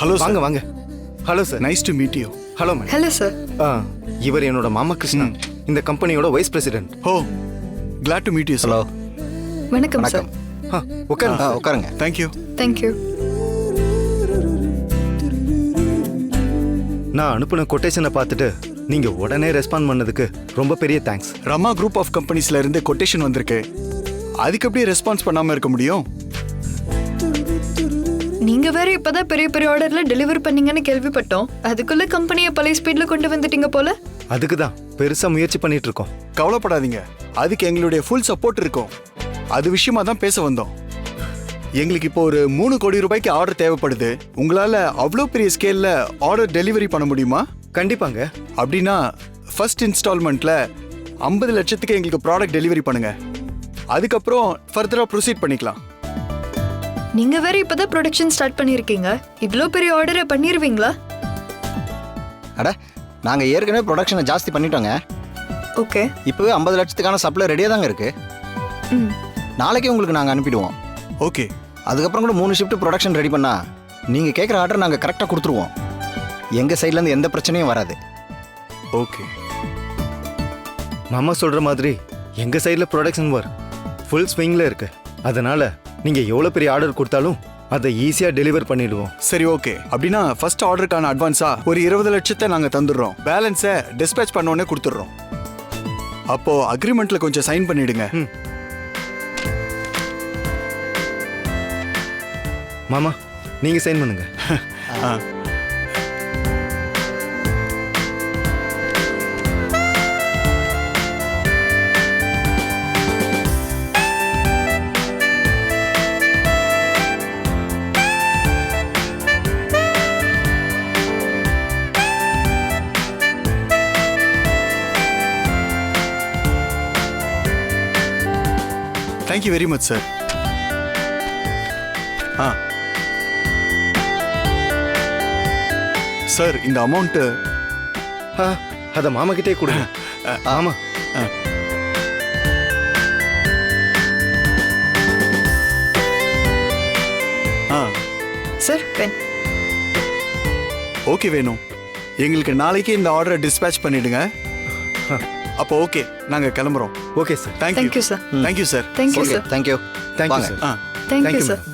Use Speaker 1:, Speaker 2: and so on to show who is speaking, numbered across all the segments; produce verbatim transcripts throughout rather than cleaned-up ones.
Speaker 1: Hello
Speaker 2: வாங்க வாங்க. Hello sir.
Speaker 1: Nice to meet you.
Speaker 2: Hello madam.
Speaker 3: Hello sir.
Speaker 2: ஆ இவர் என்னோட மாமா கிருஷ்ணா, இந்த கம்பெனியோட vice president.
Speaker 1: Oh, glad to meet you.
Speaker 4: Hello.
Speaker 3: வணக்கம் சார்.
Speaker 2: ஆ உட்காருங்க.
Speaker 4: ஆ உட்காருங்க.
Speaker 1: தேங்க்யூ.
Speaker 3: தேங்க்யூ.
Speaker 2: நான் அனுப்பின கொட்டேஷனை பார்த்துட்டு நீங்க உடனே ரெஸ்பாண்ட் பண்ணதுக்கு ரொம்ப பெரிய தேங்க்ஸ்.
Speaker 1: ரமா குரூப் ஆஃப் கம்பெனிஸ்ல இருந்து கொட்டேஷன் வந்திருக்கு. அதுக்கு அப்படியே ரெஸ்பான்ஸ் பண்ணாம இருக்க முடியும்?
Speaker 3: நீங்க வேற இப்பதான் பெரிய பெரிய ஆர்டர்ல டெலிவர் பண்ணீங்கன்னு கேள்விப்பட்டோம். அதுக்குள்ள கம்பெனியை பழைய ஸ்பீட்ல கொண்டு வந்துட்டீங்க போல.
Speaker 2: அதுக்கு தான் பெருசா முயற்சி பண்ணிட்டு இருக்கோம்.
Speaker 1: கவலைப்படாதீங்க, அதுக்கு எங்களுடைய ஃபுல் சப்போர்ட் இருக்கும். அது விஷயமா தான் பேச வந்தோம். எங்களுக்கு இப்போ ஒரு மூணு கோடி ரூபாய்க்கு ஆர்டர் தேவைப்படுது. உங்களால அவ்வளோ பெரிய ஸ்கேல்ல ஆர்டர் டெலிவரி பண்ண முடியுமா?
Speaker 2: கண்டிப்பாங்க.
Speaker 1: அப்படின்னா ஃபர்ஸ்ட் இன்ஸ்டால்மெண்ட்ல ஐம்பது லட்சத்துக்கு எங்களுக்கு ப்ராடக்ட் டெலிவரி பண்ணுங்க. அதுக்கப்புறம் ஃபர்தரா ப்ரொசீட் பண்ணிக்கலாம்.
Speaker 3: நீங்க வேற இப்பதான் ப்ரொடக்ஷன் ஸ்டார்ட் பண்ணிருக்கீங்க. இவ்ளோ பெரிய ஆர்டரை பண்ணிருவீங்களா?
Speaker 4: அட, நாங்கள் ஏற்கனவே ப்ரொடக்ஷனை ஜாஸ்தி பண்ணிட்டோங்க.
Speaker 3: ஓகே.
Speaker 4: இப்போவே ஐம்பது லட்சத்துக்கான சப்ளை ரெடியாக தாங்க இருக்கு.
Speaker 3: ம்.
Speaker 4: நாளைக்கே உங்களுக்கு நாங்கள் அனுப்பிடுவோம்.
Speaker 1: ஓகே.
Speaker 4: அதுக்கப்புறம் கூட மூணு ஷிஃப்ட் ப்ரொடக்ஷன் ரெடி பண்ணா நீங்கள் கேட்குற ஆர்டர் நாங்கள் கரெக்டாக கொடுத்துருவோம். எங்கள் சைட்லேருந்து எந்த பிரச்சனையும் வராது.
Speaker 1: ஓகே.
Speaker 2: மாமா சொல்ற மாதிரி எங்க சைடுல ப்ரொடக்ஷன் ஒர்க் ஃபுல் ஸ்விங்ல இருக்கு. அதனால நீங்க எவ்வளவு பெரிய ஆர்டர் கொடுத்தாலும் அதை ஈஸியா டெலிவர் பண்ணிடுவோம்.
Speaker 1: சரி, ஓகே. அப்படின்னா ஃபர்ஸ்ட் ஆர்டருக்கான அட்வான்ஸா ஒரு இருபது லட்சத்தை நாங்க தந்துடுறோம். பேலன்ஸை டிஸ்பேச் பண்ண உடனே கொடுத்துடுறோம். அப்போ அக்ரிமெண்ட்ல கொஞ்சம் சைன் பண்ணிடுங்க.
Speaker 2: மாமா நீங்க சைன் பண்ணுங்க.
Speaker 1: Thank you very much sir. ஆ சார், இந்த அமௌண்ட்
Speaker 2: அத மாமா கிட்டே கொடுங்க. ஆமா.
Speaker 1: ஆ
Speaker 3: சார், பென்.
Speaker 1: ஓகே வேணும். எங்களுக்கு நாளைக்கு இந்த ஆர்டரை டிஸ்பேச் பண்ணிடுங்க. அப்போ ஓகே, நாங்க கிளம்புறோம்.
Speaker 2: Okay sir.
Speaker 1: Thank you.
Speaker 3: Thank you sir.
Speaker 1: Thank you sir.
Speaker 3: Thank you
Speaker 4: okay,
Speaker 3: sir.
Speaker 4: Thank you.
Speaker 2: Thank you
Speaker 4: வாங்க.
Speaker 2: சார்.
Speaker 1: ஆ
Speaker 3: தேங்க்யூ
Speaker 2: தேங்க்யூ
Speaker 3: சார்.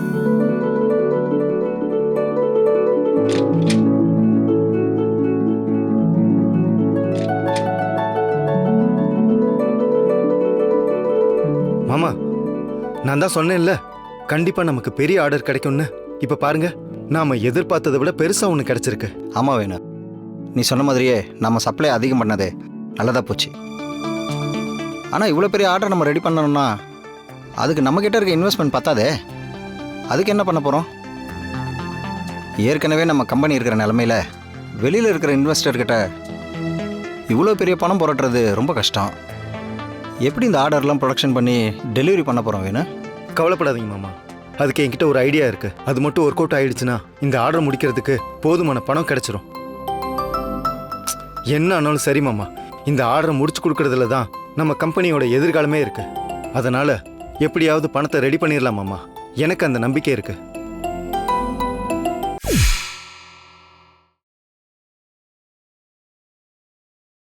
Speaker 2: மாமா நான் தான் சொன்னேன்ல, கண்டிப்பா நமக்கு பெரிய ஆர்டர் கிடைக்கும்னு. இப்ப பாருங்க, நாம எதிர்பார்த்ததை விட பெருசா ஒன்று கிடைச்சிருக்கு.
Speaker 4: ஆமாம் வேணும். நீ சொன்ன மாதிரியே நம்ம சப்ளை அதிகம் பண்ணது நல்லதாக போச்சு. ஆனால் இவ்வளோ பெரிய ஆர்டர் நம்ம ரெடி பண்ணணும்னா அதுக்கு நம்மக்கிட்ட இருக்க இன்வெஸ்ட்மெண்ட் பத்தாதே. அதுக்கு என்ன பண்ண போகிறோம்? ஏற்கனவே நம்ம கம்பெனி இருக்கிற நிலமையில வெளியில் இருக்கிற இன்வெஸ்டர்கிட்ட இவ்வளோ பெரிய பணம் புரட்டுறது ரொம்ப கஷ்டம். எப்படி இந்த ஆர்டர்லாம் ப்ரொடக்ஷன் பண்ணி டெலிவரி பண்ண போகிறோம் வேணும்?
Speaker 2: கவலைப்படாதீங்க மாமா, அதுக்கு என்கிட்ட ஒரு ஐடியா இருக்கு. அது மட்டும் ஒர்க் அவுட் ஆயிடுச்சுன்னா இந்த ஆர்டர் முடிக்கிறதுக்கு போதுமான பணம் கிடைச்சிரும். என்ன ஆனாலும் சரி மாமா, இந்த ஆர்டரை முடிச்சு கொடுக்கறதுல தான் நம்ம கம்பெனியோட எதிர்காலமே இருக்கு. அதனால எப்படியாவது பணத்தை ரெடி பண்ணிடலாம் மாமா. எனக்கு அந்த நம்பிக்கை இருக்கு.